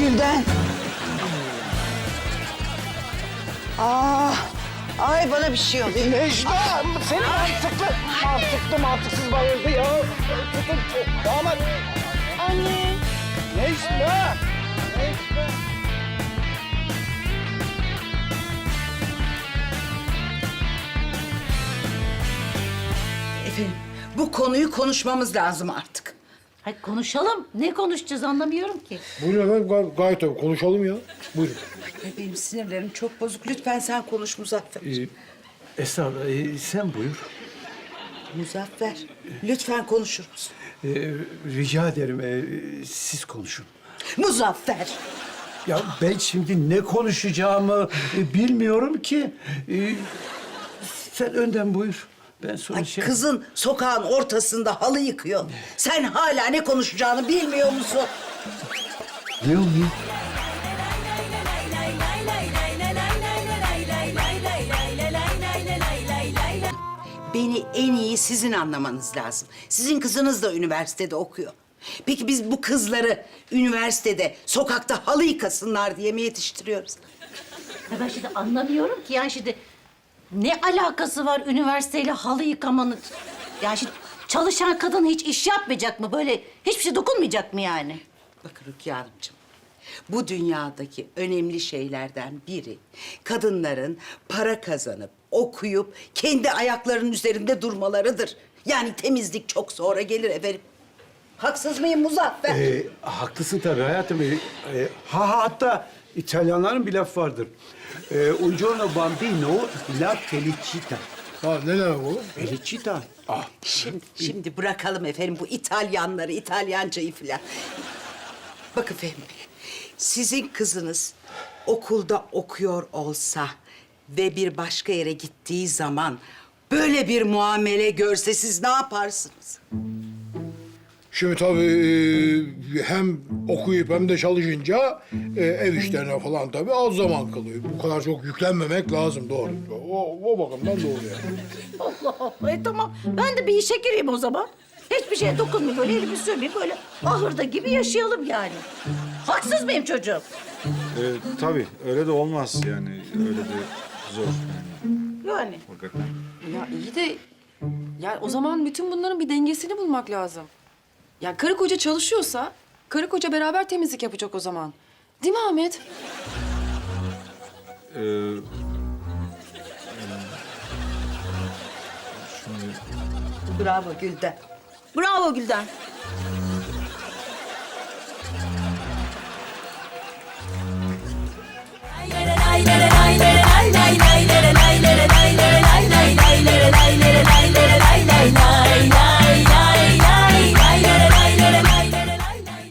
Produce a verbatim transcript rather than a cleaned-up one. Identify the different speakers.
Speaker 1: Gülden. Aa, ay bana bir şey oluyor.
Speaker 2: Necla! Seni mantıklı, mantıklı mantıksız bayıldı ya. Tutun, damat.
Speaker 3: Anne.
Speaker 2: Necla! Necla!
Speaker 1: Efendim, bu konuyu konuşmamız lazım artık.
Speaker 3: Hadi konuşalım. Ne konuşacağız anlamıyorum ki.
Speaker 4: Buyurun efendim, gay- gayet tabii. Konuşalım ya. Buyurun.
Speaker 1: Ay, benim sinirlerim çok bozuk. Lütfen sen konuş Muzaffer.
Speaker 5: Ee, Estağfurullah, ee, sen buyur.
Speaker 1: Muzaffer, lütfen konuşur musun?
Speaker 5: Ee, rica ederim, ee, siz konuşun.
Speaker 1: Muzaffer!
Speaker 5: Ya ben şimdi ne konuşacağımı e, bilmiyorum ki. Ee, sen önden buyur. Ben sonra
Speaker 1: Ay,
Speaker 5: şey...
Speaker 1: kızın sokağın ortasında halı yıkıyor. Sen hala ne konuşacağını bilmiyor musun?
Speaker 5: Ne oluyor?
Speaker 1: Beni en iyi sizin anlamanız lazım. Sizin kızınız da üniversitede okuyor. Peki biz bu kızları üniversitede, sokakta halı yıkasınlar diye mi yetiştiriyoruz?
Speaker 3: Ya ben şimdi anlamıyorum ki. Yani şimdi ne alakası var üniversiteyle halı yıkamanın? Yani şimdi çalışan kadın hiç iş yapmayacak mı? Böyle hiçbir şey dokunmayacak mı yani?
Speaker 1: Bakın Rukiye Hanımcığım, bu dünyadaki önemli şeylerden biri kadınların para kazanıp, okuyup kendi ayaklarının üzerinde durmalarıdır. Yani temizlik çok sonra gelir efendim. Haksız mıyım Muzaffer?
Speaker 5: Ee, haklısın tabii hayatım. Ee, e, ha ha, hatta İtalyanların bir laf vardır. Ee, Un giorno bambino la felicita.
Speaker 4: Ha, ne demek o?
Speaker 5: Felicita. Ah.
Speaker 1: Şimdi, şimdi bırakalım efendim bu İtalyanları, İtalyancayı filan. Bakın Fehmi Bey, sizin kızınız okulda okuyor olsa ve bir başka yere gittiği zaman böyle bir muamele görse siz ne yaparsınız?
Speaker 4: Şimdi tabii e, hem okuyup hem de çalışınca e, ev işlerine falan tabii az zaman kalıyor. Bu kadar çok yüklenmemek lazım, doğru. O, o bakımdan doğru yani.
Speaker 3: Allah Allah. E tamam. Ben de bir işe gireyim o zaman. Hiçbir şeye dokunmayayım. Böyle elimi sürmeyeyim. Böyle ahırda gibi yaşayalım yani. Haksız mıyım çocuğum?
Speaker 6: Ee, tabii öyle de olmaz yani öyle de zor yani
Speaker 3: Yani.
Speaker 6: hakikaten.
Speaker 7: Ya iyi de yani o zaman bütün bunların bir dengesini bulmak lazım. Ya karı koca çalışıyorsa karı koca beraber temizlik yapacak o zaman. Değil mi Ahmet?
Speaker 6: Ee,
Speaker 1: Bravo Gülden.
Speaker 3: Bravo Gülden.